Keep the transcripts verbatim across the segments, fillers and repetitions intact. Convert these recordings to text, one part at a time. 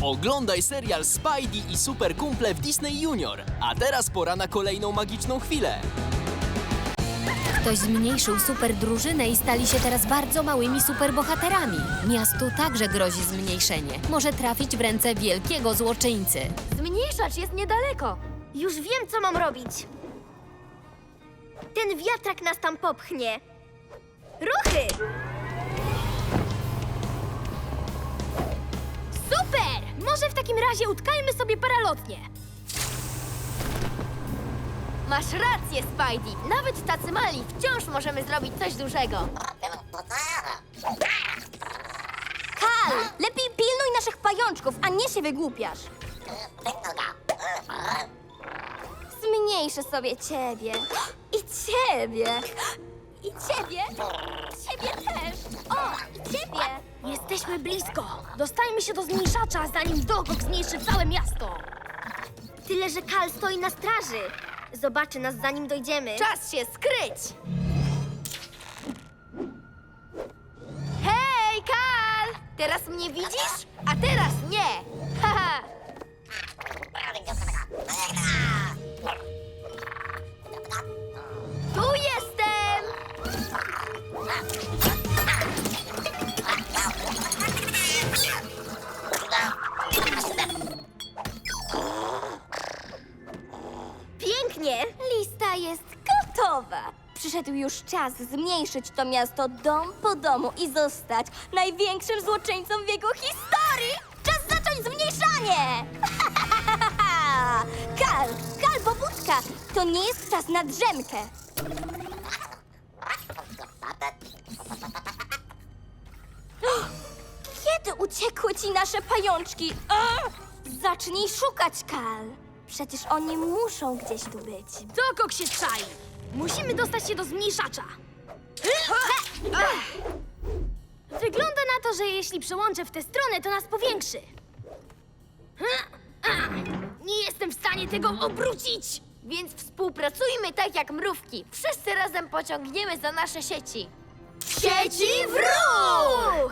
Oglądaj serial Spidey i Super Kumple w Disney Junior. A teraz pora na kolejną magiczną chwilę. Ktoś zmniejszył super drużynę i stali się teraz bardzo małymi superbohaterami. Miastu także grozi zmniejszenie. Może trafić w ręce wielkiego złoczyńcy. Zmniejszacz jest niedaleko. Już wiem, co mam robić. Ten wiatrak nas tam popchnie. Ruchy! Super! Może w takim razie utkajmy sobie paralotnie. Masz rację, Spidey. Nawet tacy mali wciąż możemy zrobić coś dużego. Kal, lepiej pilnuj naszych pajączków, a nie się wygłupiasz. Zmniejszę sobie ciebie. I ciebie. I ciebie. Ciebie też. O, i ciebie. Jesteśmy blisko. Dostajmy się do zmniejszacza, zanim Dogok zmniejszy całe miasto. Tyle, że Kal stoi na straży. Zobaczy nas, zanim dojdziemy. Czas się skryć! Hej, Kal! Teraz mnie widzisz? A teraz nie! Haha! Tu jestem! Pięknie! Lista jest gotowa. Przyszedł już czas zmniejszyć to miasto dom po domu i zostać największym złoczyńcą w jego historii! Czas zacząć zmniejszanie! Kal, Kal, pobudka! To nie jest czas na drzemkę. Kiedy uciekły ci nasze pajączki? Ugh! Zacznij szukać, Kal. Przecież oni muszą gdzieś tu być. Dogok się czai! Musimy dostać się do zmniejszacza. Wygląda na to, że jeśli przełączę w tę stronę, to nas powiększy. Nie jestem w stanie tego obrócić! Więc współpracujmy tak jak mrówki. Wszyscy razem pociągniemy za nasze sieci. Sieci w ruch!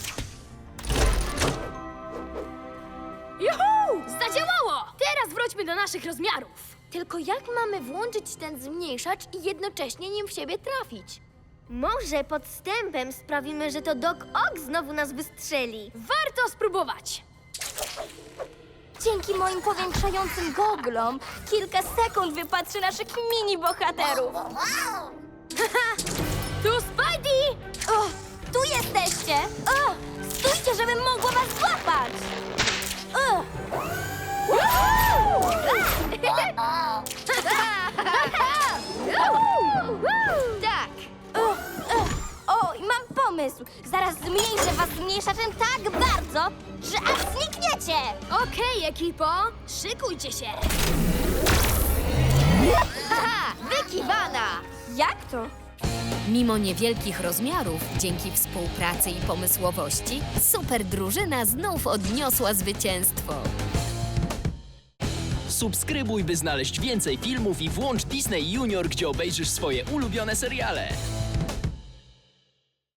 Juhu! Zadziałało! Teraz wróćmy do naszych rozmiarów. Tylko jak mamy włączyć ten zmniejszacz i jednocześnie nim w siebie trafić? Może podstępem sprawimy, że to Doc Ock znowu nas wystrzeli. Warto spróbować! Dzięki moim powiększającym goglom kilka sekund wypatrzy naszych mini-bohaterów. Tu Spidey! O, tu jesteście! O, stójcie, żebym mogła was złapać! O. Tak! O, o, o, i mam pomysł! Zaraz zmniejszę was zmniejszaczem tak bardzo, że aż znikniecie! Okej, ekipo, szykujcie się! Haha, wykiwana! Jak to? Mimo niewielkich rozmiarów, dzięki współpracy i pomysłowości, super drużyna znów odniosła zwycięstwo. Subskrybuj, by znaleźć więcej filmów i włącz Disney Junior, gdzie obejrzysz swoje ulubione seriale.